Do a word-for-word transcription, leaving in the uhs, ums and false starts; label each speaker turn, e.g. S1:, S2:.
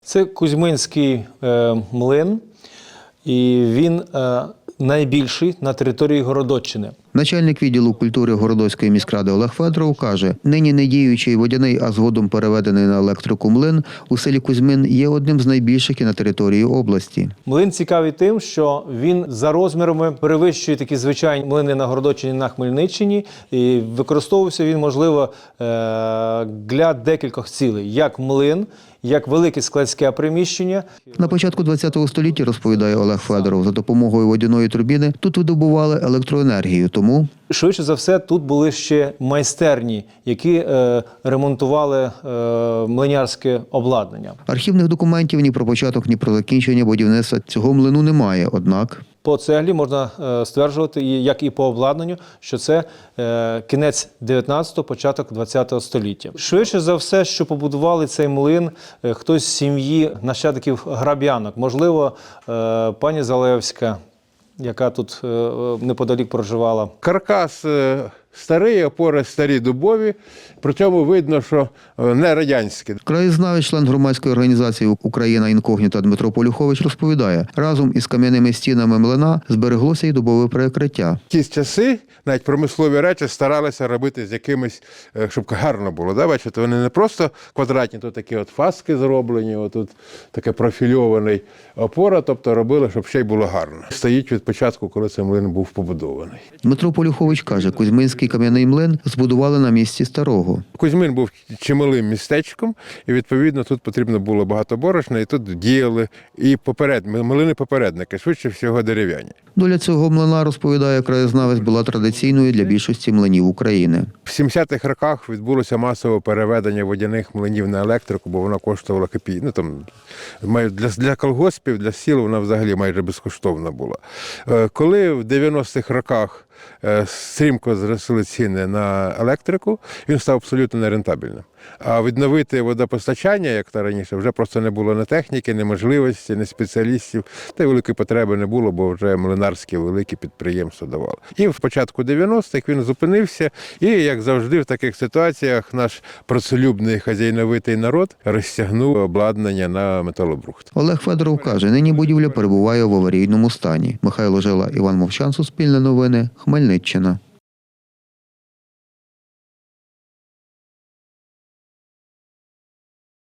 S1: Це Кузьминський е, млин, і він е, найбільший на території Городоччини.
S2: Начальник відділу культури Городоцької міськради Олег Федоров каже, нині не діючий водяний, а згодом переведений на електрику млин у селі Кузьмин є одним з найбільших і на території області.
S1: Млин цікавий тим, що він за розмірами перевищує такі звичайні млини на Городоччині, на Хмельниччині, і використовувався він, можливо, для декількох цілей, як млин, як велике складське приміщення.
S2: На початку ХХ століття, розповідає Олег Федоров, за допомогою водяної турбіни тут видобували електроенергію, тому...
S1: Швидше за все, тут були ще майстерні, які е, ремонтували е, млинярське обладнання.
S2: Архівних документів ні про початок, ні про закінчення будівництва цього млину немає, однак...
S1: По цеглі можна е, стверджувати, як і по обладнанню, що це е, кінець дев'ятнадцятого, початок ХХ століття. Швидше за все, що побудували цей млин е, хтось з сім'ї нащадків Граб'янок. Можливо, е, пані Залевська, яка тут е, неподалік проживала.
S3: Каркас е, старий, опори старі дубові, при цьому видно, що е, не радянські.
S2: Краєзнавець, член громадської організації «Україна інкогніта» Дмитро Полюхович розповідає, разом із кам'яними стінами млина збереглося й дубове перекриття.
S3: Ті часи навіть промислові речі старалися робити з якимось, е, щоб гарно було. Да? Бачите, вони не просто квадратні, тут такі от фаски зроблені, отут таке профільований опора, тобто робили, щоб ще й було гарно. Стоїть від початку, коли цей млин був побудований.
S2: Дмитро Полюхович каже, Кузьминський кам'яний млин збудували на місці старого.
S3: Кузьмин був чималим містечком, і, відповідно, тут потрібно було багато борошна, і тут діяли і поперед, млини-попередники, швидше всього дерев'яні.
S2: Доля цього млина, розповідає краєзнавець, була традиційною для більшості млинів України.
S3: В сімдесятих роках відбулося масове переведення водяних млинів на електрику, бо вона коштувала копійки. Ну, там, для, для колгоспів, для сіл вона взагалі майже безкоштовна була. Коли в дев'яностих роках стрімко зросли ціни на електрику, він став абсолютно нерентабельним. А відновити водопостачання, як то раніше, вже просто не було ні техніки, ні можливості, ні спеціалістів. Та й великої потреби не було, бо вже млинарські великі підприємства давали. І в початку дев'яностих він зупинився, і, як завжди, в таких ситуаціях наш працелюбний хазяйновитий народ розтягнув обладнання на металобрухт.
S2: Олег Федоров каже, нині будівля перебуває в аварійному стані. Михайло Жила, Іван Мовчан, Суспільне новини, Хмельниччина.